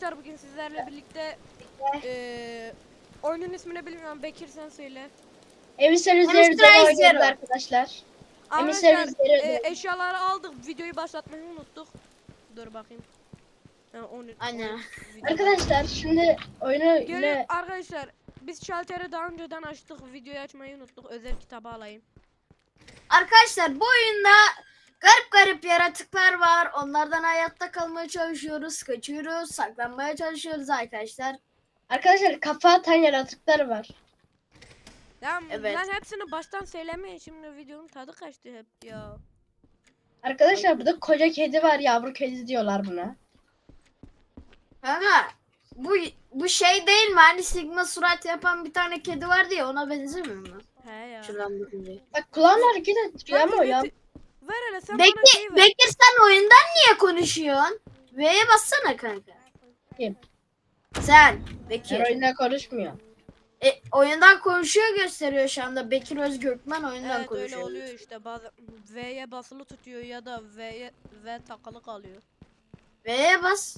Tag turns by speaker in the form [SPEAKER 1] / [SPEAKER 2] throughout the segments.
[SPEAKER 1] Arkadaşlar bugün sizlerle birlikte oyunun ismini bilmiyorum. Bekir sen söyle.
[SPEAKER 2] Emisar üzerinde oynuyoruz arkadaşlar.
[SPEAKER 1] Arkadaşlar eşyaları aldık. Videoyu başlatmayı unuttuk. Dur bakayım.
[SPEAKER 2] Aynen. Arkadaşlar şimdi oyunu
[SPEAKER 1] Gelin arkadaşlar. Biz şalteri daha önceden açtık. Videoyu açmayı unuttuk. Özel kitabı alayım.
[SPEAKER 3] Arkadaşlar bu oyunda garip yaratıklar var. Onlardan hayatta kalmaya çalışıyoruz. Kaçıyoruz. Saklanmaya çalışıyoruz arkadaşlar.
[SPEAKER 2] Arkadaşlar kafa atan yaratıklar var.
[SPEAKER 1] Evet. Lan hepsini baştan söylemeyin. Şimdi videonun tadı kaçtı hep ya.
[SPEAKER 2] Arkadaşlar burada koca kedi var. Yavru kedi diyorlar buna.
[SPEAKER 3] Kanka bu şey değil mi? Hani Sigma surat yapan bir tane kedi vardı ya, ona benzemiyor mu?
[SPEAKER 1] He ya.
[SPEAKER 3] Şuradan bakınca.
[SPEAKER 2] Bak kulağını hareket ettiriyor ama o ya.
[SPEAKER 1] Ver hele sen bana şey ver.
[SPEAKER 3] Bekir sen oyundan niye konuşuyorsun? V'ye bassana kanka.
[SPEAKER 2] Kim?
[SPEAKER 3] Sen
[SPEAKER 2] Ben
[SPEAKER 3] Bekir.
[SPEAKER 2] oyunda konuşmuyor.
[SPEAKER 3] Oyundan konuşuyor gösteriyor şu anda. Bekir Özgürkmen oyundan
[SPEAKER 1] Evet
[SPEAKER 3] konuşuyor.
[SPEAKER 1] öyle oluyor işte. Bazen V'ye basılı tutuyor ya da V takılı kalıyor.
[SPEAKER 3] V'ye bas.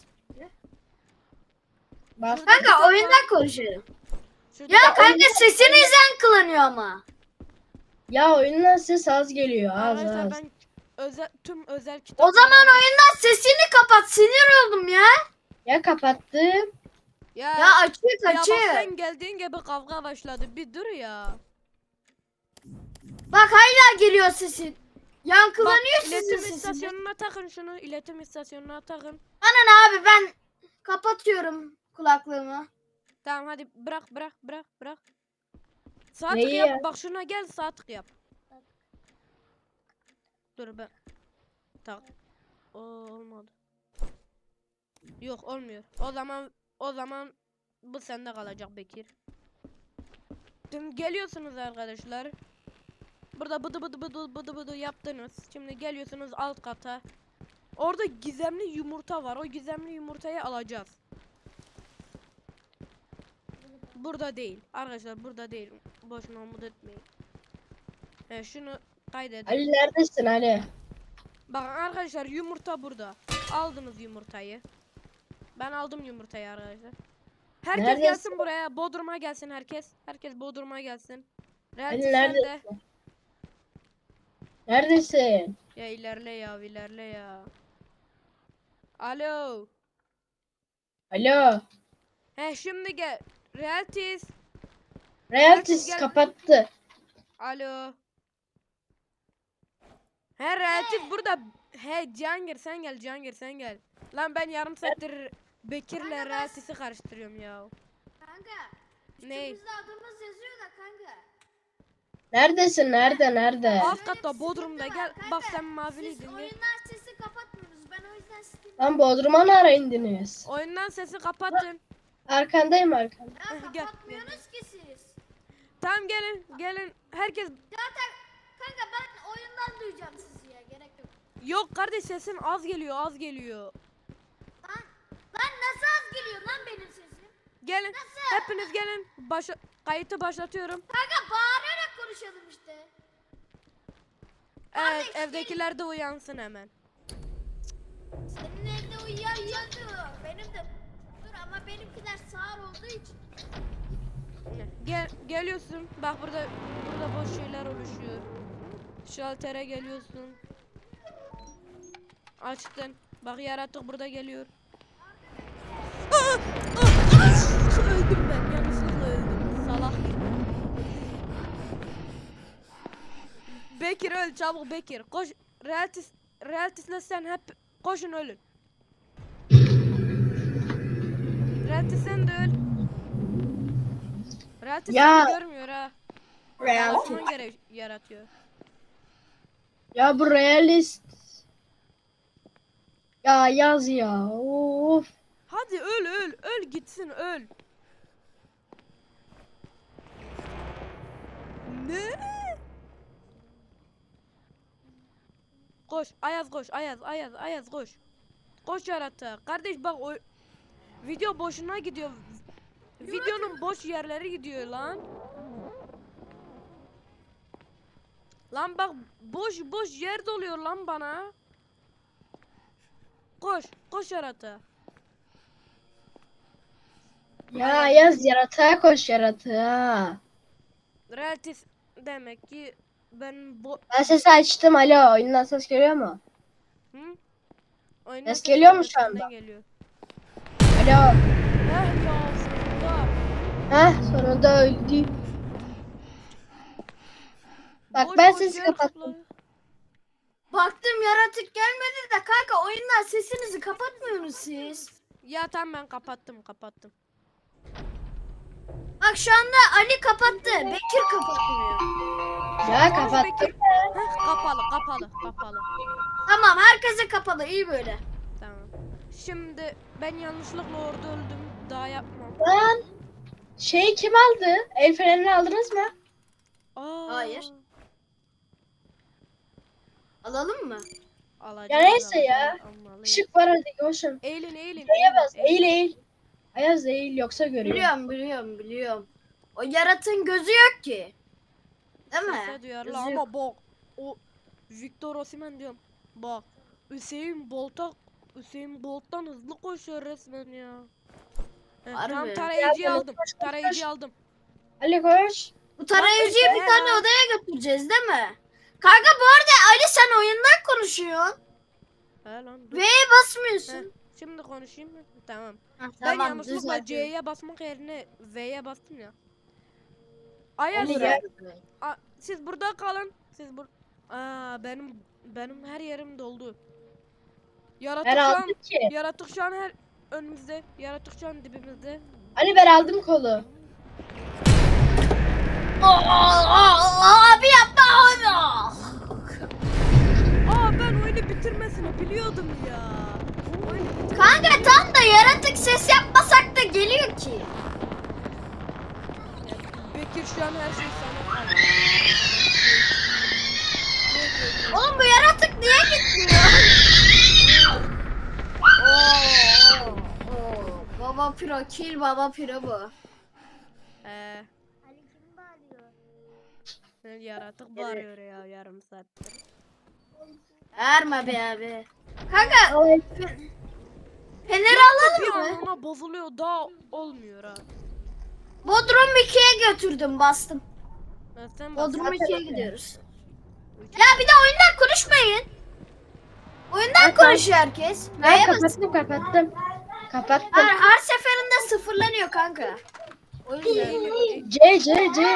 [SPEAKER 2] Bas.
[SPEAKER 3] Kanka oyundan konuşuyor.
[SPEAKER 1] Şurada
[SPEAKER 3] Ya kanka sesiniz yankılanıyor ama.
[SPEAKER 2] Ya oyundan ses az geliyor. Az
[SPEAKER 1] arkadaşlar
[SPEAKER 2] az.
[SPEAKER 1] ben tüm özel kitap.
[SPEAKER 3] O zaman oyundan sesini kapat. Sinir oldum ya.
[SPEAKER 2] Ya kapattım.
[SPEAKER 1] Ya
[SPEAKER 3] Açık
[SPEAKER 1] bak
[SPEAKER 3] açık.
[SPEAKER 1] sen geldiğin gibi kavga başladı. Bir dur ya.
[SPEAKER 3] Bak hala geliyor sesin. Yankılanıyor
[SPEAKER 1] Bak,
[SPEAKER 3] sizin
[SPEAKER 1] iletim
[SPEAKER 3] sesiniz.
[SPEAKER 1] istasyonuna takın şunu. İletim istasyonuna takın.
[SPEAKER 3] Anan abi ben kapatıyorum kulaklığımı.
[SPEAKER 1] Tamam hadi bırak. Sağ tık
[SPEAKER 2] Neyi
[SPEAKER 1] yap.
[SPEAKER 2] ya?
[SPEAKER 1] Bak şuna gel sağ tık yap. Dur ben. Tak. Olmadı. Yok olmuyor. O zaman bu sende kalacak Bekir. Şimdi geliyorsunuz arkadaşlar. Burada bıdı yaptınız. Şimdi geliyorsunuz alt kata. Orada gizemli yumurta var. O gizemli yumurtayı alacağız. Burada değil. Arkadaşlar burada değil. Boşuna umut etmeyin. Şunu kaydedin.
[SPEAKER 2] Ali neredesin Ali?
[SPEAKER 1] Bakın arkadaşlar yumurta burada. Aldınız yumurtayı. Ben aldım yumurtayı arkadaşlar. Herkes
[SPEAKER 2] Neredesin?
[SPEAKER 1] gelsin buraya. Bodrum'a gelsin herkes. Herkes Bodrum'a gelsin.
[SPEAKER 2] Ali
[SPEAKER 1] Realty sen de.
[SPEAKER 2] neredesin? Neredesin?
[SPEAKER 1] Ya ilerle ya. Alo.
[SPEAKER 2] Alo.
[SPEAKER 1] Şimdi gel. Realties.
[SPEAKER 2] Realtis
[SPEAKER 1] gel.
[SPEAKER 2] kapattı.
[SPEAKER 1] Alo. Realties burada. Cihangir sen gel. Lan ben yarım saattir Bekir'le Realties'i karıştırıyorum ya.
[SPEAKER 3] Kanka.
[SPEAKER 1] Ne?
[SPEAKER 3] Üstümüzde adımız yazıyor da kanka.
[SPEAKER 2] Neredesin? Nerede?
[SPEAKER 1] Alt katta Bodrum'da gel. Bak sen maviliydin.
[SPEAKER 3] Siz
[SPEAKER 1] Gel.
[SPEAKER 3] oyundan sesi kapatmıyorsunuz. Ben o yüzden sizi
[SPEAKER 2] Lan Bodrum'a ne ara indiniz?
[SPEAKER 1] Oyundan sesi kapatın.
[SPEAKER 2] Arkandayım arkanda.
[SPEAKER 1] Gel.
[SPEAKER 3] kapatmıyorsunuz ki siz.
[SPEAKER 1] Tamam gelin. Herkes
[SPEAKER 3] Zaten kanka ben oyundan duyacağım sizi ya. Gerek yok.
[SPEAKER 1] yok kardeş sesin az geliyor.
[SPEAKER 3] Lan nasıl az geliyor lan benim sesim?
[SPEAKER 1] Gelin.
[SPEAKER 3] Nasıl?
[SPEAKER 1] Hepiniz gelin. Kayıtı başlatıyorum.
[SPEAKER 3] Kanka bağırarak konuşalım işte.
[SPEAKER 1] Evet
[SPEAKER 3] Kardeş,
[SPEAKER 1] evdekiler de uyansın hemen.
[SPEAKER 3] Senin evde uyuyan yatıyor. Benim de dur ama benimkiler sağır olduğu için.
[SPEAKER 1] Geliyorsun. Bak burada boş şeyler oluşuyor. Şaltere geliyorsun. Açtın. Bak yaratık burada geliyor. Öldüm ben. Yanlışlıkla öldüm. Salak. Bekir öl çabuk Bekir. Koş. Realtis'le sen hep koşun ölün. Realtis sen de öl. Realtis
[SPEAKER 2] Ya.
[SPEAKER 1] seni görmüyor ha.
[SPEAKER 2] Realtis.
[SPEAKER 1] Osman göre yaratıyor.
[SPEAKER 2] Ya bu realist. Ya yaz ya. Of.
[SPEAKER 1] Hadi öl gitsin öl. Ne? Koş Ayaz koş Ayaz koş. Koş yaratık. Kardeş bak o video boşuna gidiyor. Videonun boş yerleri gidiyor lan. Lan bak boş yer doluyor lan bana. Koş yaratık.
[SPEAKER 2] Ya yaz yaratığa koş yaratığa.
[SPEAKER 1] Relatif demek ki ben bu
[SPEAKER 2] Ben sesi açtım alo. Oyundan ses geliyor mu?
[SPEAKER 1] hı? Oyundan
[SPEAKER 2] Ses
[SPEAKER 1] ses
[SPEAKER 2] geliyor mu
[SPEAKER 1] gelmiyor,
[SPEAKER 2] şu anda?
[SPEAKER 1] senden geliyor.
[SPEAKER 2] Alo.
[SPEAKER 1] Heh ya sonunda.
[SPEAKER 2] Heh sonunda öldü. Bak
[SPEAKER 1] Boş
[SPEAKER 2] ben
[SPEAKER 1] boş
[SPEAKER 2] sesi
[SPEAKER 1] yer
[SPEAKER 2] kapattım.
[SPEAKER 1] kapla.
[SPEAKER 3] Baktım yaratık gelmedi de kanka oyundan sesinizi kapatmıyorsunuz siz.
[SPEAKER 1] Ya tamam ben kapattım.
[SPEAKER 3] Bak şu anda Ali kapattı. Bekir kapatmıyor.
[SPEAKER 2] Ya
[SPEAKER 1] Konuş
[SPEAKER 2] kapattım.
[SPEAKER 1] Bekir. Heh, kapalı.
[SPEAKER 3] Tamam herkese kapalı iyi böyle.
[SPEAKER 1] Tamam. Şimdi ben yanlışlıkla orada öldüm. Daha yapmam.
[SPEAKER 2] Lan şeyi kim aldı? El fenerini aldınız mı?
[SPEAKER 1] Aa,
[SPEAKER 3] Hayır. Alalım mı?
[SPEAKER 1] alacağız,
[SPEAKER 2] Ya neyse ya.
[SPEAKER 1] almalıyız.
[SPEAKER 2] Işık var hadi koşun.
[SPEAKER 1] Eğilin.
[SPEAKER 2] Neye bas? Eğil eğil. Ayaz eğil yoksa görüyor.
[SPEAKER 3] Biliyorum. O yaratığın gözü yok ki. Değil mi?
[SPEAKER 1] Sese duyarlı
[SPEAKER 3] Gözü
[SPEAKER 1] ama
[SPEAKER 3] yok.
[SPEAKER 1] bak. O Victor Osimhen diyorum. Bak. Hüseyin Bolt'tan hızlı koşuyor resmen ya. Heh,
[SPEAKER 3] Harbi.
[SPEAKER 1] tamam tarayıcıyı
[SPEAKER 2] Ya,
[SPEAKER 1] aldım.
[SPEAKER 2] koş.
[SPEAKER 1] Tarayıcıyı aldım.
[SPEAKER 2] Ali koş.
[SPEAKER 3] Bu tarayıcıyı bir
[SPEAKER 1] Lan,
[SPEAKER 3] tane
[SPEAKER 1] lan.
[SPEAKER 3] odaya götüreceğiz değil mi? Kanka bu arada Ali sen oyundan konuşuyorsun.
[SPEAKER 1] He lan dur.
[SPEAKER 3] V'ye
[SPEAKER 1] Heh,
[SPEAKER 3] basmıyorsun.
[SPEAKER 1] şimdi konuşayım mı? Tamam.
[SPEAKER 3] Heh,
[SPEAKER 1] Ben
[SPEAKER 3] tamam,
[SPEAKER 1] yanlışlıkla
[SPEAKER 3] düzeltiyorum.
[SPEAKER 1] C'ye basmak yerine V'ye bastım ya. Ayaz
[SPEAKER 2] Ali
[SPEAKER 1] ya.
[SPEAKER 2] gel.
[SPEAKER 1] Siz burada kalın. Benim her yerim doldu. Yaratık
[SPEAKER 2] Ben
[SPEAKER 1] şu an
[SPEAKER 2] aldım ki.
[SPEAKER 1] yaratık şu an her önümüzde. Yaratık şu an dibimizde.
[SPEAKER 2] Ali ben aldım kolu.
[SPEAKER 3] Abi yapma onu.
[SPEAKER 1] Aa ben oyunu bitirmesini biliyordum ya.
[SPEAKER 3] Kanka tam da yaratık ses yapmasak da geliyor ki.
[SPEAKER 1] Bekir şu an her şey sana kaldı.
[SPEAKER 3] Oğlum bu yaratık niye gitmiyor? Baba piro kill baba piro bu.
[SPEAKER 1] Yaratık bağırıyor ya yarım saattir.
[SPEAKER 3] Erme be abi. Kanka
[SPEAKER 2] Ay,
[SPEAKER 3] feneri
[SPEAKER 1] Bir
[SPEAKER 3] alalım
[SPEAKER 1] an
[SPEAKER 3] mı?
[SPEAKER 1] ona bozuluyor daha olmuyor ha.
[SPEAKER 3] Bodrum 2'ye götürdüm bastım.
[SPEAKER 1] Sen bak.
[SPEAKER 3] Bodrum
[SPEAKER 2] Zaten
[SPEAKER 3] 2'ye
[SPEAKER 2] öyle.
[SPEAKER 3] gidiyoruz. Ya bir de oyundan konuşmayın. Oyundan konuşuyor herkes.
[SPEAKER 2] Ben
[SPEAKER 3] Neye bas?
[SPEAKER 2] kapattım. Kapattım.
[SPEAKER 3] Her seferinde sıfırlanıyor kanka. O yüzden.
[SPEAKER 2] C.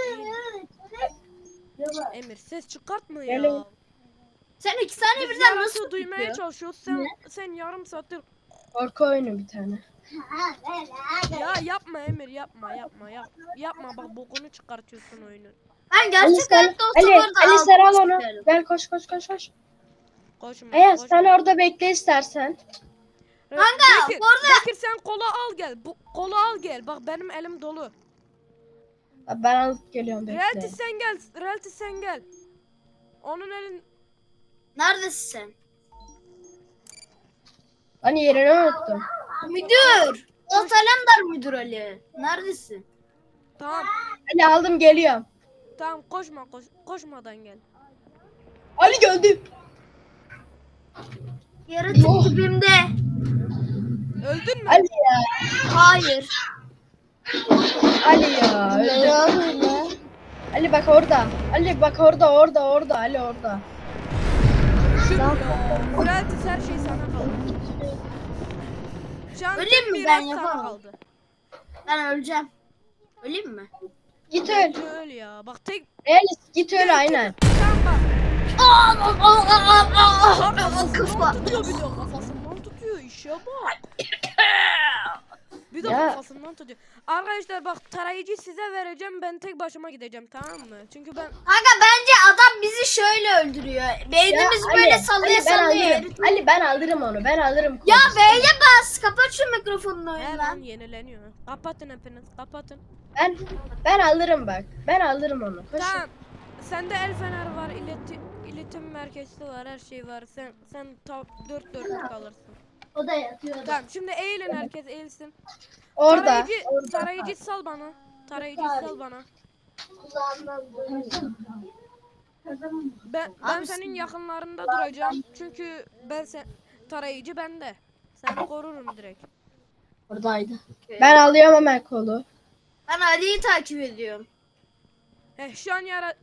[SPEAKER 1] Emir ses çıkartma
[SPEAKER 2] Gelin.
[SPEAKER 1] ya.
[SPEAKER 3] Sen 2 saniye
[SPEAKER 1] Biz
[SPEAKER 3] birden nasıl
[SPEAKER 1] yaratığı duymaya
[SPEAKER 3] tutuyor?
[SPEAKER 1] çalışıyoruz. Sen yarım saattir.
[SPEAKER 2] Korku oyunu bir tane.
[SPEAKER 1] Ya yapma Emir yapma bak bokunu çıkartıyorsun oyunun.
[SPEAKER 3] Ben
[SPEAKER 2] Ali
[SPEAKER 3] gerçek
[SPEAKER 2] sen,
[SPEAKER 3] hayatta olsa
[SPEAKER 2] Ali,
[SPEAKER 3] bu arada
[SPEAKER 2] Ali sen al
[SPEAKER 3] altına
[SPEAKER 2] onu.
[SPEAKER 3] sıkarım.
[SPEAKER 2] Gel koş.
[SPEAKER 1] Koşma.
[SPEAKER 2] Ayaz
[SPEAKER 1] koşma.
[SPEAKER 2] sen orada bekle istersen.
[SPEAKER 3] Kanka,
[SPEAKER 1] Bekir,
[SPEAKER 3] bu arada-
[SPEAKER 1] Bekir sen kola al gel. Bu kola al gel. Bak benim elim dolu.
[SPEAKER 2] Ben alıp geliyorum
[SPEAKER 1] Realty
[SPEAKER 2] bekle.
[SPEAKER 1] sen gel. Realty sen gel. Onun elin
[SPEAKER 3] Neredesin sen?
[SPEAKER 2] Hani yerini unuttum.
[SPEAKER 3] Müdür. Polat Alemdar müdür Ali. Neredesin?
[SPEAKER 1] tamam.
[SPEAKER 2] Ali aldım geliyorum.
[SPEAKER 1] Tamam koşmadan gel.
[SPEAKER 2] Ali geldi.
[SPEAKER 3] Yaratık dibimde.
[SPEAKER 1] Öldün mü?
[SPEAKER 2] Ali ya.
[SPEAKER 3] Hayır.
[SPEAKER 2] Ali ya. Öldü. Ali bak orada. Ali bak orada. Ali orada.
[SPEAKER 1] Şükür ya. Realty her şey sana kaldı. Şu an
[SPEAKER 3] Öleyim
[SPEAKER 1] tek
[SPEAKER 3] mi?
[SPEAKER 1] bir
[SPEAKER 3] Ben
[SPEAKER 1] rat sana
[SPEAKER 3] yapamam.
[SPEAKER 1] kaldı.
[SPEAKER 3] Ben öleceğim. Öleyim mi?
[SPEAKER 2] Git öl.
[SPEAKER 1] Bence öl ya. Bak tek
[SPEAKER 2] Realist git öl aynen.
[SPEAKER 1] sen bak.
[SPEAKER 3] Kafa.
[SPEAKER 1] Tutuyor bir de kafasından tutuyor işe bak. Bir de
[SPEAKER 2] Ya.
[SPEAKER 1] kafasından tutuyor. Arkadaşlar bak tarayıcı size vereceğim ben tek başıma gideceğim tamam mı? Çünkü ben
[SPEAKER 3] Kanka bence adam bizi şöyle öldürüyor. Beynimiz
[SPEAKER 2] Ya
[SPEAKER 3] böyle
[SPEAKER 2] Ali,
[SPEAKER 3] sallaya
[SPEAKER 2] Ali, ben
[SPEAKER 3] sallaya.
[SPEAKER 2] alırım. Ali ben alırım onu. Ben alırım.
[SPEAKER 3] Ya
[SPEAKER 2] konusu.
[SPEAKER 3] V'ye bas. Kapat şu mikrofonunu
[SPEAKER 1] her
[SPEAKER 3] oyundan.
[SPEAKER 1] an yenileniyor. Kapatın hepiniz kapatın.
[SPEAKER 2] Ben alırım bak. Ben alırım onu. Koş.
[SPEAKER 1] Tamam. Sende el fener var, iletim merkezi var, her şey var. Sen dört dörtlük alırsın.
[SPEAKER 3] O da yatıyor.
[SPEAKER 1] Tamam şimdi eğilin herkes eğilsin.
[SPEAKER 2] Orada.
[SPEAKER 1] Tarayıcı sal bana. Tarayıcı sal bana. Ben
[SPEAKER 3] Abi
[SPEAKER 1] senin yakınlarında duracağım. Çünkü tarayıcı bende. Seni korurum direkt.
[SPEAKER 2] Oradaydı. Ben alıyorum hemen kolu.
[SPEAKER 3] Ben Ali'yi takip ediyorum.
[SPEAKER 1] Şu an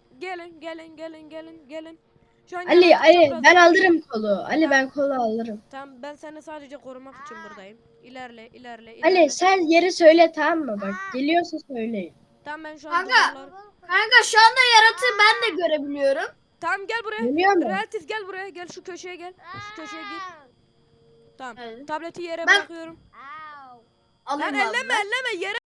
[SPEAKER 1] gelin. Şu an
[SPEAKER 2] Ali
[SPEAKER 1] yaratık
[SPEAKER 2] Ali
[SPEAKER 1] çapraz-
[SPEAKER 2] ben alırım kolu. Ali
[SPEAKER 1] Tamam.
[SPEAKER 2] ben kolu alırım.
[SPEAKER 1] Tamam ben seni sadece korumak için buradayım. İlerle.
[SPEAKER 2] Ali sen yeri söyle tamam mı bak. Geliyorsa söyleyin.
[SPEAKER 1] Tamam ben şu an
[SPEAKER 3] Kanka.
[SPEAKER 1] duvarlar.
[SPEAKER 3] Kanka şu anda yaratığı ben de görebiliyorum.
[SPEAKER 1] Tamam gel buraya.
[SPEAKER 2] Geliyor mu?
[SPEAKER 1] Relatif gel buraya. Gel şu köşeye gel. Şu köşeye git. Tamam.
[SPEAKER 3] Evet.
[SPEAKER 1] Tableti yere
[SPEAKER 3] Ben-
[SPEAKER 1] bırakıyorum.
[SPEAKER 3] Alayım
[SPEAKER 1] Lan
[SPEAKER 3] abi.
[SPEAKER 1] elleme yere